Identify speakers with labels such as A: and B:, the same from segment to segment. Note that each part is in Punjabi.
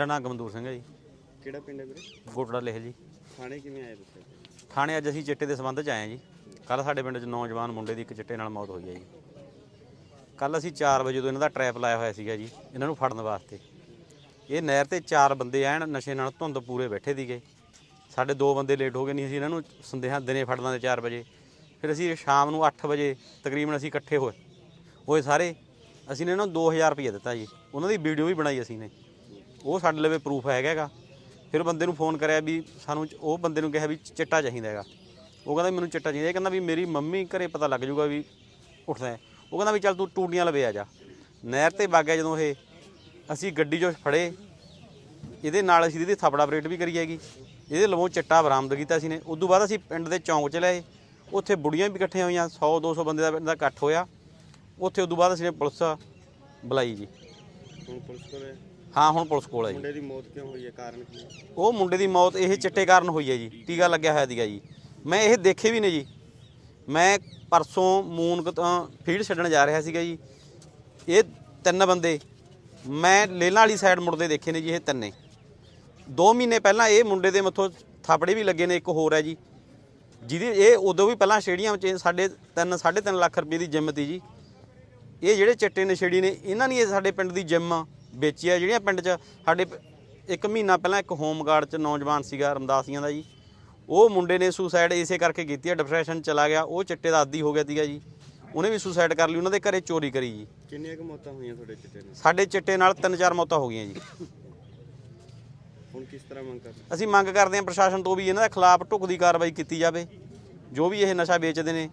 A: ਮੇਰਾ ਨਾਮ ਗਮਦੂਰ ਸਿੰਘ ਹੈ ਜੀ।
B: ਕਿਹੜਾ ਪਿੰਡ ਹੈ ਵੀਰੇ?
A: ਗੋਟੜਾ ਲਿਖ ਜੀ।
B: ਥਾਣੇ ਕਿਵੇਂ ਆਏ ਤੁਸੀਂ?
A: ਥਾਣੇ ਅੱਜ ਅਸੀਂ ਚਿੱਟੇ ਦੇ ਸੰਬੰਧ 'ਚ ਆਏ ਹਾਂ ਜੀ। ਕੱਲ੍ਹ ਸਾਡੇ ਪਿੰਡ 'ਚ ਨੌਜਵਾਨ ਮੁੰਡੇ ਦੀ ਇੱਕ ਚਿੱਟੇ ਨਾਲ ਮੌਤ ਹੋਈ ਹੈ ਜੀ। ਕੱਲ੍ਹ ਅਸੀਂ 4 ਵਜੇ ਤੋਂ ਇਹਨਾਂ ਦਾ ਟਰੈਪ ਲਾਇਆ ਹੋਇਆ ਸੀਗਾ ਜੀ, ਇਹਨਾਂ ਨੂੰ ਫੜਨ ਵਾਸਤੇ। ਇਹ ਨਹਿਰ 'ਤੇ 4 ਬੰਦੇ ਐਨ ਨਸ਼ੇ ਨਾਲ ਧੁੰਦ ਪੂਰੇ ਬੈਠੇ ਸੀਗੇ। ਸਾਡੇ 2 ਬੰਦੇ ਲੇਟ ਹੋ ਗਏ, ਨਹੀਂ ਅਸੀਂ ਇਹਨਾਂ ਨੂੰ ਸੰਦੇਹਾਂ ਦਿਨੇ ਫੜ ਲਾਂਦੇ 4 ਵਜੇ। ਫਿਰ ਅਸੀਂ ਸ਼ਾਮ ਨੂੰ 8 ਵਜੇ ਤਕਰੀਬਨ ਅਸੀਂ ਇਕੱਠੇ ਹੋਏ ਸਾਰੇ। ਅਸੀਂ ਨੇ ਇਹਨਾਂ ਨੂੰ 2000 ਰੁਪਈਆ ਦਿੱਤਾ ਜੀ। ਉਹਨਾਂ ਦੀ ਵੀਡੀਓ ਵੀ ਬਣਾਈ ਅਸੀਂ ਨੇ, ਉਹ ਸਾਡੇ ਲਵੇ ਪ੍ਰੂਫ ਹੈਗਾ ਗਾ। ਫਿਰ ਬੰਦੇ ਨੂੰ ਫੋਨ ਕਰਿਆ ਵੀ ਸਾਨੂੰ, ਉਹ ਬੰਦੇ ਨੂੰ ਕਿਹਾ ਵੀ ਚਿੱਟਾ ਚਾਹੀਦਾ ਹੈਗਾ। ਉਹ ਕਹਿੰਦਾ ਮੈਨੂੰ ਚਿੱਟਾ ਚਾਹੀਦਾ। ਇਹ ਕਹਿੰਦਾ ਵੀ ਮੇਰੀ ਮੰਮੀ ਘਰੇ ਪਤਾ ਲੱਗ ਜੂਗਾ ਵੀ ਉੱਠਦਾ ਹੈ। ਉਹ ਕਹਿੰਦਾ ਵੀ ਚੱਲ ਤੂੰ ਟੂਟੀਆਂ ਲਵੇ ਆ ਜਾ। ਨਹਿਰ 'ਤੇ ਵਗ ਗਿਆ ਜਦੋਂ ਇਹ, ਅਸੀਂ ਗੱਡੀ 'ਚੋਂ ਫੜੇ। ਇਹਦੇ ਨਾਲ ਅਸੀਂ ਇਹਦੀ ਥਾਪੜਾ ਆਪਰੇਟ ਵੀ ਕਰੀ ਹੈਗੀ। ਇਹਦੇ ਲਵੋਂ ਚਿੱਟਾ ਬਰਾਮਦ ਕੀਤਾ ਅਸੀਂ ਨੇ। ਉਦੋਂ ਬਾਅਦ ਅਸੀਂ ਪਿੰਡ ਦੇ ਚੌਂਕ 'ਚ ਲਏ, ਉੱਥੇ ਬੁੜੀਆਂ ਵੀ ਇਕੱਠੀਆਂ ਹੋਈਆਂ, 100-200 ਬੰਦੇ ਦਾ ਇਕੱਠ ਹੋਇਆ ਉੱਥੇ। ਉਦੋਂ ਬਾਅਦ ਅਸੀਂ ਨੇ ਪੁਲਿਸ ਬੁਲਾਈ ਜੀ।
B: ਹੁਣ ਪੁਲਿਸ ਕੋਲ ਹੈ?
A: ਹਾਂ, ਹੁਣ ਪੁਲਿਸ ਕੋਲ ਹੈ ਜੀ।
B: ਮੁੰਡੇ ਦੀ ਮੌਤ ਕਿਉਂ ਹੋਈ ਹੈ, ਕਾਰਨ ਕੀ ਹੈ?
A: ਉਹ ਮੁੰਡੇ ਦੀ ਮੌਤ ਇਹ ਚਿੱਟੇ ਕਾਰਨ ਹੋਈ ਹੈ ਜੀ। ਟੀਕਾ ਲੱਗਿਆ ਹੋਇਆ ਸੀਗਾ ਜੀ। ਮੈਂ ਇਹ ਦੇਖੇ ਵੀ ਨੇ ਜੀ। ਮੈਂ ਪਰਸੋਂ ਮੂਨਕ ਤੋਂ ਫੀਡ ਛੱਡਣ ਜਾ ਰਿਹਾ ਸੀਗਾ ਜੀ। ਇਹ 3 ਬੰਦੇ ਮੈਂ ਲੇਲਾਂ ਵਾਲੀ ਸਾਈਡ ਮੁੜਦੇ ਦੇਖੇ ਨੇ ਜੀ। ਇਹ 3 2 ਮਹੀਨੇ ਪਹਿਲਾਂ ਇਹ ਮੁੰਡੇ ਦੇ ਮੱਥੋਂ ਥਾਪੜੇ ਵੀ ਲੱਗੇ ਨੇ। ਇੱਕ ਹੋਰ ਹੈ ਜੀ, ਜਿਹਦੀ ਇਹ ਉਦੋਂ ਵੀ ਪਹਿਲਾਂ ਸ਼ੇੜੀਆਂ ਵਿੱਚ 3.5 ਲੱਖ ਰੁਪਏ ਦੀ ਜਿੰਮ ਤੀ ਜੀ। ਇਹ ਜਿਹੜੇ ਚਿੱਟੇ ਨਸ਼ੇੜੀ ਨੇ, ਇਹਨਾਂ ਨੇ ਸਾਡੇ ਪਿੰਡ ਦੀ ਜਿੰਮ ਵੇਚੀ ਆ। ਜਿਹੜੀਆਂ ਪਿੰਡ 'ਚ ਸਾਡੇ 1 ਮਹੀਨਾ ਪਹਿਲਾਂ ਇੱਕ ਹੋਮਗਾਰਡ 'ਚ ਨੌਜਵਾਨ ਸੀਗਾ ਰਮਦਾਸੀਆਂ ਦਾ ਜੀ, ਉਹ ਮੁੰਡੇ ਨੇ ਸੁਸਾਈਡ ਇਸੇ ਕਰਕੇ ਕੀਤੀ ਆ। ਡਿਪਰੈਸ਼ਨ ਚਲਾ ਗਿਆ, ਉਹ ਚਿੱਟੇ ਦਾ ਆਦੀ ਹੋ ਗਿਆ ਸੀਗਾ ਜੀ। ਉਹਨੇ ਵੀ ਸੁਸਾਈਡ ਕਰ ਲਈ। ਉਹਨਾਂ ਦੇ ਘਰੇ ਚੋਰੀ ਕਰੀ ਜੀ।
B: ਕਿੰਨੀਆਂ ਕੁ ਮੌਤਾਂ ਹੋਈਆਂ ਤੁਹਾਡੇ ਚਿੱਟੇ ਨਾਲ?
A: ਸਾਡੇ ਚਿੱਟੇ ਨਾਲ 3-4 ਮੌਤਾਂ ਹੋ ਗਈਆਂ ਜੀ।
B: ਹੁਣ ਕਿਸ ਤਰ੍ਹਾਂ ਮੰਗ ਕਰਦੇ?
A: ਅਸੀਂ ਮੰਗ ਕਰਦੇ ਹਾਂ ਪ੍ਰਸ਼ਾਸਨ ਤੋਂ ਵੀ ਇਹਨਾਂ ਦੇ ਖਿਲਾਫ ਢੁਕਦੀ ਕਾਰਵਾਈ ਕੀਤੀ ਜਾਵੇ, ਜੋ ਵੀ ਇਹ ਨਸ਼ਾ ਵੇਚਦੇ ਨੇ।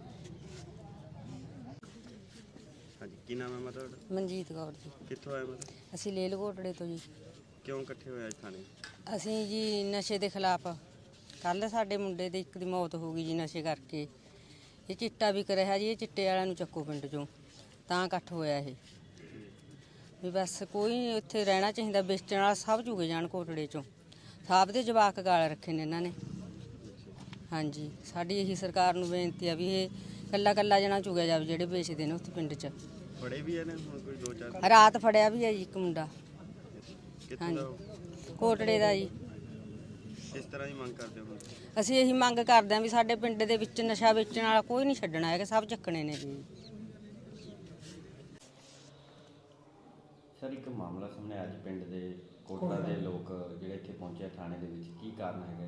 B: ਹਾਂਜੀ, ਕੀ ਨਾਮ ਹੈ ਮਾਤਾ ਤੁਹਾਡਾ?
C: ਮਨਜੀਤ ਕੌਰ ਜੀ।
B: ਕਿੱਥੋਂ ਆਏ ਮਾਤਾ?
C: ਅਸੀਂ ਲੇਲ ਘੋਟੜੇ ਤੋਂ ਜੀ।
B: ਕਿਉਂ ਇਕੱਠੇ ਹੋਏ ਅੱਜ ਥਾਣੇ?
C: ਅਸੀਂ ਜੀ ਨਸ਼ੇ ਦੇ ਖਿਲਾਫ, ਕੱਲ੍ਹ ਸਾਡੇ ਮੁੰਡੇ ਦੇ ਇੱਕ ਦੀ ਮੌਤ ਹੋ ਗਈ ਜੀ ਨਸ਼ੇ ਕਰਕੇ। ਇਹ ਚਿੱਟਾ ਵਿਕ ਰਿਹਾ ਜੀ। ਇਹ ਚਿੱਟੇ ਵਾਲਿਆਂ ਨੂੰ ਚੱਕੋ ਪਿੰਡ 'ਚੋਂ, ਤਾਂ ਇਕੱਠ ਹੋਇਆ ਇਹ ਵੀ ਬਸ ਕੋਈ ਇੱਥੇ ਰਹਿਣਾ ਚਾਹੀਦਾ। ਵੇਚਣ ਵਾਲਾ ਸਭ ਚੁਗੇ ਜਾਣ ਘੋਟੜੇ 'ਚੋਂ। ਸਭ ਦੇ ਜਵਾਕ ਗਾਲ ਰੱਖੇ ਨੇ ਇਹਨਾਂ ਨੇ। ਹਾਂਜੀ, ਸਾਡੀ ਇਹੀ ਸਰਕਾਰ ਨੂੰ ਬੇਨਤੀ ਆ ਵੀ ਇਹ ਕੱਲਾ ਜਣਾ ਚੁਗਿਆ ਜਾਵੇ ਜਿਹੜੇ ਵੇਚਦੇ ਨੇ ਉੱਥੇ ਪਿੰਡ 'ਚ।
B: ਫੜੇ ਵੀ ਇਹਨੇ ਹੁਣ ਕੋਈ 2-4?
C: ਰਾਤ ਫੜਿਆ ਵੀ ਹੈ ਜੀ ਇੱਕ ਮੁੰਡਾ।
B: ਕਿੱਥੋਂ ਦਾ ਉਹ?
C: ਘੋਟੜੇ ਦਾ ਜੀ।
B: ਕਿਸ ਤਰ੍ਹਾਂ ਦੀ ਮੰਗ ਕਰਦੇ ਹੋ?
C: ਅਸੀਂ ਇਹੀ ਮੰਗ ਕਰਦੇ ਹਾਂ ਵੀ ਸਾਡੇ ਪਿੰਡ ਦੇ ਵਿੱਚ ਨਸ਼ਾ ਵੇਚਣ ਵਾਲਾ ਕੋਈ ਨਹੀਂ ਛੱਡਣਾ ਹੈਗਾ, ਸਭ ਚੱਕਣੇ ਨੇ ਜੀ।
A: ਸਰ, ਇੱਕ ਮਾਮਲਾ ਸਾਹਮਣੇ ਅੱਜ ਪਿੰਡ ਦੇ ਕੋਟੜਾ ਦੇ ਲੋਕ ਜਿਹੜੇ ਇੱਥੇ ਪਹੁੰਚੇ ਥਾਣੇ ਦੇ ਵਿੱਚ, ਕੀ ਕਾਰਨ ਹੈਗਾ?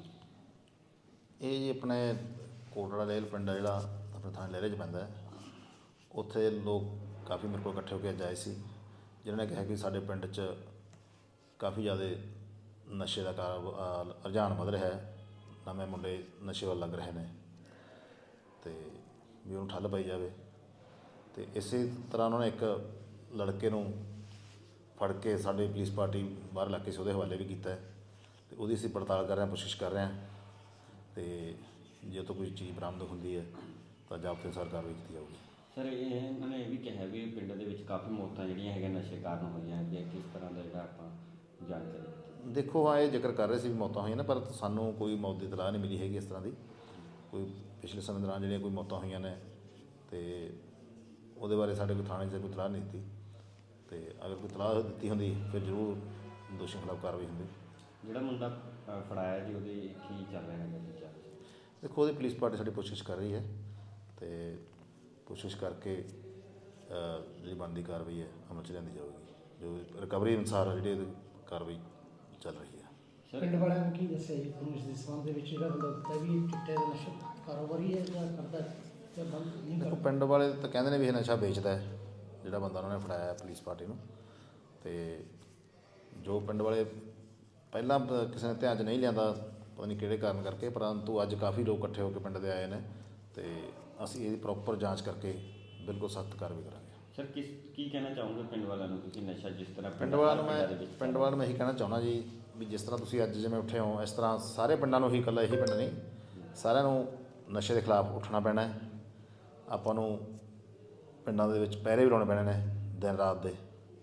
D: ਇਹ ਜੀ ਆਪਣੇ ਕੋਟੜਾ ਲੇਲ ਪਿੰਡ ਆ ਜਿਹੜਾ ਆਪਣੇ ਥਾਣੇ ਲਹਿਰੇ 'ਚ ਪੈਂਦਾ ਹੈ। ਉੱਥੇ ਲੋਕ ਕਾਫੀ ਮੇਰੇ ਕੋਲ ਇਕੱਠੇ ਹੋ ਕੇ ਅੱਜ ਆਏ ਸੀ, ਜਿਨ੍ਹਾਂ ਨੇ ਕਿਹਾ ਕਿ ਸਾਡੇ ਪਿੰਡ 'ਚ ਕਾਫੀ ਜ਼ਿਆਦਾ ਨਸ਼ੇ ਦਾ ਰੁਝਾਨ ਵੱਧ ਰਿਹਾ ਹੈ। ਨਵੇਂ ਮੁੰਡੇ ਨਸ਼ੇ ਵੱਲ ਲੱਗ ਰਹੇ ਨੇ ਅਤੇ ਵੀ ਉਹਨੂੰ ਠੱਲ ਪਾਈ ਜਾਵੇ। ਅਤੇ ਇਸੇ ਤਰ੍ਹਾਂ ਉਹਨਾਂ ਨੇ ਇੱਕ ਲੜਕੇ ਨੂੰ ਫੜ ਕੇ ਸਾਡੀ ਪੁਲਿਸ ਪਾਰਟੀ ਬਾਹਰ ਇਲਾਕੇ 'ਚ ਉਹਦੇ ਹਵਾਲੇ ਵੀ ਕੀਤਾ ਹੈ ਅਤੇ ਉਹਦੀ ਅਸੀਂ ਪੜਤਾਲ ਕਰ ਰਹੇ ਹਾਂ, ਕੋਸ਼ਿਸ਼ ਕਰ ਰਹੇ ਹਾਂ। ਅਤੇ ਜੇ ਤੋਂ ਕੋਈ ਚੀਜ਼ ਬਰਾਮਦ ਹੁੰਦੀ ਹੈ ਤਾਂ ਜ਼ਾਬਤੇ ਅਨੁਸਾਰ ਕਾਰਵਾਈ ਕੀਤੀ ਜਾਊਗੀ।
A: ਸਰ, ਇਹਨਾਂ ਨੇ ਇਹ ਵੀ ਕਿਹਾ ਵੀ ਪਿੰਡ ਦੇ ਵਿੱਚ ਕਾਫੀ ਮੌਤਾਂ ਜਿਹੜੀਆਂ ਹੈਗੀਆਂ ਨਸ਼ੇ ਕਾਰਨ ਹੋਈਆਂ ਹੈਗੀਆਂ। ਕਿਸ ਤਰ੍ਹਾਂ ਦਾ ਜਿਹੜਾ ਆਪਾਂ ਜਾਣਕਾਰੀ?
D: ਦੇਖੋ, ਹਾਂ, ਇਹ ਜ਼ਿਕਰ ਕਰ ਰਹੇ ਸੀ ਵੀ ਮੌਤਾਂ ਹੋਈਆਂ ਨੇ, ਪਰ ਸਾਨੂੰ ਕੋਈ ਮੌਤ ਦੀ ਇਤਲਾਹ ਨਹੀਂ ਮਿਲੀ ਹੈਗੀ ਇਸ ਤਰ੍ਹਾਂ ਦੀ। ਕੋਈ ਪਿਛਲੇ ਸਮੇਂ ਦੌਰਾਨ ਜਿਹੜੀਆਂ ਕੋਈ ਮੌਤਾਂ ਹੋਈਆਂ ਨੇ ਅਤੇ ਉਹਦੇ ਬਾਰੇ ਸਾਡੇ ਕੋਈ ਥਾਣੇ 'ਚ ਕੋਈ ਇਤਲਾਹ ਨਹੀਂ ਦਿੱਤੀ। ਅਤੇ ਅਗਰ ਕੋਈ ਇਤਲਾਹ ਦਿੱਤੀ ਹੁੰਦੀ ਫਿਰ ਜ਼ਰੂਰ ਦੋਸ਼ੀਆਂ ਖਿਲਾਫ ਕਾਰਵਾਈ ਹੁੰਦੀ।
A: ਜਿਹੜਾ ਮੁੰਡਾ ਫੜਾਇਆ ਜੀ, ਉਹਦੇ ਕੀ ਚੱਲ ਰਿਹਾ ਹੈਗਾ ਦੂਜਾ?
D: ਦੇਖੋ, ਉਹਦੀ ਪੁਲਿਸ ਪਾਰਟੀ ਸਾਡੀ ਕੋਸ਼ਿਸ਼ ਕਰ ਰਹੀ ਹੈ ਅਤੇ ਕੋਸ਼ਿਸ਼ ਕਰਕੇ ਜਿਹੜੀ ਬਣਦੀ ਕਾਰਵਾਈ ਹੈ ਅਮਲ 'ਚ ਲਿਆਂਦੀ ਜਾਊਗੀ। ਜੋ ਰਿਕਵਰੀ ਅਨੁਸਾਰ ਜਿਹੜੀ ਇਹਦੀ ਕਾਰਵਾਈ ਚੱਲ ਰਹੀ ਹੈ।
E: ਪਿੰਡ ਵਾਲਿਆਂ ਨੂੰ ਕੀ ਦੱਸਿਆ ਜੀ ਤੁਹਾਨੂੰ ਇਸ ਦੇ ਸੰਬੰਧ ਦੇ ਵਿੱਚ? ਜਿਹੜਾ ਬੰਦਾ ਦਿੱਤਾ ਵੀ ਚਿੱਟੇ ਦਾ ਨਸ਼ਾ ਕਾਰੋਬਾਰੀ ਹੈ ਜਾਂ ਕਰਦਾ ਜਾਂ ਬੰਦ ਨਹੀਂ
D: ਦੇਖੋ,
E: ਕਰਦਾ?
D: ਪਿੰਡ ਵਾਲੇ ਤਾਂ ਕਹਿੰਦੇ ਨੇ ਵੀ ਇਹ ਨਸ਼ਾ ਵੇਚਦਾ ਹੈ ਜਿਹੜਾ ਬੰਦਾ ਉਹਨਾਂ ਨੇ ਫੜਾਇਆ ਪੁਲਿਸ ਪਾਰਟੀ ਨੂੰ। ਅਤੇ ਜੋ ਪਿੰਡ ਵਾਲੇ ਪਹਿਲਾਂ ਕਿਸੇ ਨੇ ਧਿਆਨ 'ਚ ਨਹੀਂ ਲਿਆਂਦਾ, ਪਤਾ ਨਹੀਂ ਕਿਹੜੇ ਕਾਰਨ ਕਰਕੇ, ਪਰੰਤੂ ਅੱਜ ਕਾਫੀ ਲੋਕ ਇਕੱਠੇ ਹੋ ਕੇ ਪਿੰਡ ਦੇ ਆਏ ਨੇ ਅਤੇ ਅਸੀਂ ਇਹਦੀ ਪ੍ਰੋਪਰ ਜਾਂਚ ਕਰਕੇ ਬਿਲਕੁਲ ਸਖਤ ਕਾਰਵਾਈ ਕਰਾਂਗੇ।
A: ਸਰ, ਕੀ ਕਹਿਣਾ ਚਾਹੋਗੇ ਪਿੰਡ ਵਾਲਿਆਂ ਨੂੰ? ਤੁਸੀਂ ਨਸ਼ਾ ਜਿਸ ਤਰ੍ਹਾਂ
D: ਪਿੰਡ ਵਾਲਿਆਂ ਨੂੰ ਮੈਂ ਇਹੀ ਕਹਿਣਾ ਚਾਹੁੰਦਾ ਜੀ ਵੀ ਜਿਸ ਤਰ੍ਹਾਂ ਤੁਸੀਂ ਅੱਜ ਜਿਵੇਂ ਉੱਠੇ ਹੋ, ਇਸ ਤਰ੍ਹਾਂ ਸਾਰੇ ਪਿੰਡਾਂ ਨੂੰ ਹੀ, ਇਕੱਲਾ ਇਹੀ ਪਿੰਡ ਨਹੀਂ, ਸਾਰਿਆਂ ਨੂੰ ਨਸ਼ੇ ਦੇ ਖਿਲਾਫ ਉੱਠਣਾ ਪੈਣਾ ਹੈ। ਆਪਾਂ ਨੂੰ ਪਿੰਡਾਂ ਦੇ ਵਿੱਚ ਪਹਿਰੇ ਵੀ ਲਾਉਣੇ ਪੈਣੇ ਨੇ ਦਿਨ ਰਾਤ ਦੇ,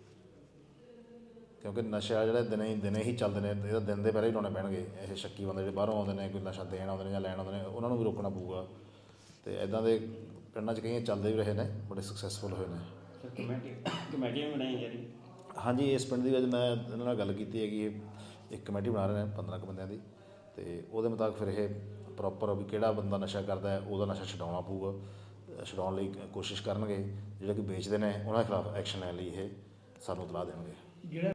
D: ਕਿਉਂਕਿ ਨਸ਼ਾ ਜਿਹੜਾ ਦਿਨੇ ਹੀ ਚੱਲਦੇ ਨੇ। ਇਹਦਾ ਦਿਨ ਦੇ ਪਹਿਰੇ ਹੀ ਲਾਉਣੇ ਪੈਣਗੇ। ਇਹ ਸ਼ੱਕੀ ਬੰਦੇ ਜਿਹੜੇ ਬਾਹਰੋਂ ਆਉਂਦੇ ਨੇ, ਕੋਈ ਨਸ਼ਾ ਦੇਣ ਆਉਂਦੇ ਨੇ ਜਾਂ ਲੈਣ ਆਉਂਦੇ ਨੇ, ਉਹਨਾਂ ਨੂੰ ਵੀ ਰੋਕਣਾ ਪਊਗਾ। ਅਤੇ ਇੱਦਾਂ ਦੇ ਪਿੰਡਾਂ 'ਚ ਕਈ ਚੱਲਦੇ ਵੀ ਰਹੇ ਨੇ, ਬੜੇ ਸਕਸੈਸਫੁਲ ਹੋਏ ਨੇ।
A: ਕਮੇਟੀਆਂ ਵੀ ਬਣਾਈਆਂ ਜਾ ਰਹੀਆਂ?
D: ਹਾਂਜੀ, ਇਸ ਪਿੰਡ ਦੀ ਅੱਜ ਮੈਂ ਇਹਨਾਂ ਨਾਲ ਗੱਲ ਕੀਤੀ ਹੈਗੀ। ਇਹ ਇੱਕ ਕਮੇਟੀ ਬਣਾ ਰਹੇ ਨੇ 15 ਕੁ ਬੰਦਿਆਂ ਦੀ, ਅਤੇ ਉਹਦੇ ਮੁਤਾਬਕ ਫਿਰ ਇਹ ਪ੍ਰੋਪਰ ਵੀ ਕਿਹੜਾ ਬੰਦਾ ਨਸ਼ਾ ਕਰਦਾ ਹੈ ਉਹਦਾ ਨਸ਼ਾ ਛਡਾਉਣਾ ਪਊਗਾ। ਛਡਾਉਣ ਲਈ ਕੋਸ਼ਿਸ਼ ਕਰਨਗੇ। ਜਿਹੜੇ ਕਿ ਵੇਚਦੇ ਨੇ ਉਹਨਾਂ ਦੇ ਖਿਲਾਫ ਐਕਸ਼ਨ ਲੈਣ ਲਈ ਇਹ ਸਾਨੂੰ ਇਤਲਾਹ ਦੇਣਗੇ।
E: ਜਿਹੜਾ